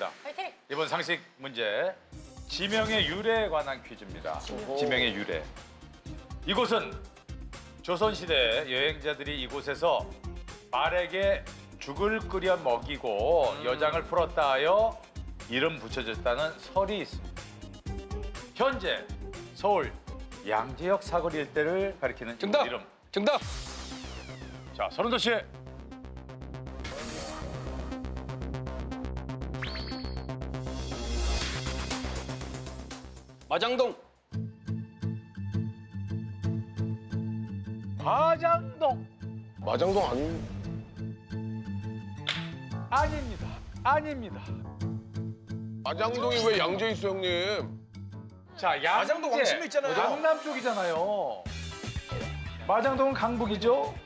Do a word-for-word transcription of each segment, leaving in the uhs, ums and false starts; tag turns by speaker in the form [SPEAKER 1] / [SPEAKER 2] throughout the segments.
[SPEAKER 1] 갑니다.
[SPEAKER 2] 파이팅!
[SPEAKER 1] 이번 상식 문제. 지명의 유래에 관한 퀴즈입니다. 지명의 유래. 이곳은 조선시대 여행자들이 이곳에서 말에게 죽을 끓여 먹이고
[SPEAKER 3] 음.
[SPEAKER 1] 여장을 풀었다 하여 이름 붙여졌다는 설이 있습니다. 현재 서울 양재역 사거리 일대를 가리키는
[SPEAKER 3] 정답!
[SPEAKER 1] 이름.
[SPEAKER 3] 정답!
[SPEAKER 1] 자, 서른도 씨.
[SPEAKER 3] 마장동.
[SPEAKER 1] 마장동.
[SPEAKER 4] 마장동 아니
[SPEAKER 1] 아닙니다. 아닙니다.
[SPEAKER 4] 마장동이 왜 양재 있어 형님?
[SPEAKER 1] 자, 양재.
[SPEAKER 5] 마장동 왕십리 있잖아요.
[SPEAKER 1] 강남 쪽이잖아요. 마장동은 강북이죠?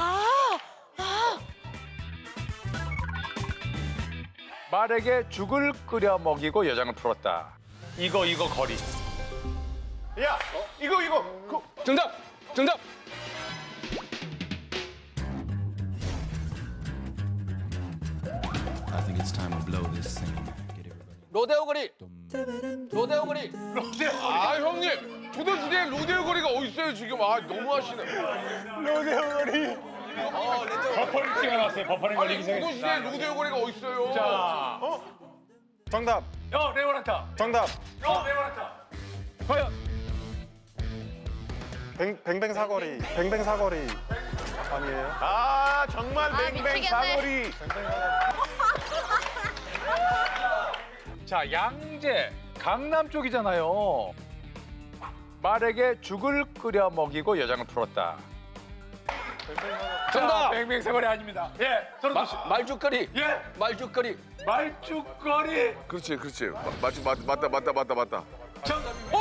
[SPEAKER 1] 말에게 죽을 끓여 먹이고 여장을 풀었다. 이거 이거 거리.
[SPEAKER 5] 야, 이거 이거. 그,
[SPEAKER 3] 정답! 정답!
[SPEAKER 6] I think it's time to blow this scene. Get everybody.
[SPEAKER 3] 로데오 거리. 로데오 거리.
[SPEAKER 4] 아 형님 조선시대에 로데오 거리가 어디 있어요 지금? 아 너무하시네.
[SPEAKER 1] 버퍼링 찍어놨어요. 버퍼링
[SPEAKER 4] 아니
[SPEAKER 1] 걸리기 전에.
[SPEAKER 4] 조선시대에 로데오 거리가 어디 있어요?
[SPEAKER 1] 자,
[SPEAKER 5] 정답.
[SPEAKER 1] 어, 레오나타.
[SPEAKER 5] 정답.
[SPEAKER 1] 어, 레오나타. 과연
[SPEAKER 5] 뱅, 뱅뱅 사거리. 뱅뱅 사거리. 아니에요? 아, 정말
[SPEAKER 2] 아,
[SPEAKER 5] 뱅뱅
[SPEAKER 2] 미치겠네.
[SPEAKER 5] 사거리.
[SPEAKER 1] 자, 양재 강남 쪽이잖아요. 말에게 죽을 끓여 먹이고 여장을 풀었다.
[SPEAKER 3] 정답!
[SPEAKER 1] 뱅뱅사거리 아닙니다. 예, 서른도 씨.
[SPEAKER 3] 마, 말죽거리.
[SPEAKER 1] 예,
[SPEAKER 3] 말죽거리.
[SPEAKER 1] 말죽거리.
[SPEAKER 4] 그렇지 그렇지 마, 맞지 맞, 맞다 맞다 맞다 맞다.
[SPEAKER 1] 정답입니다.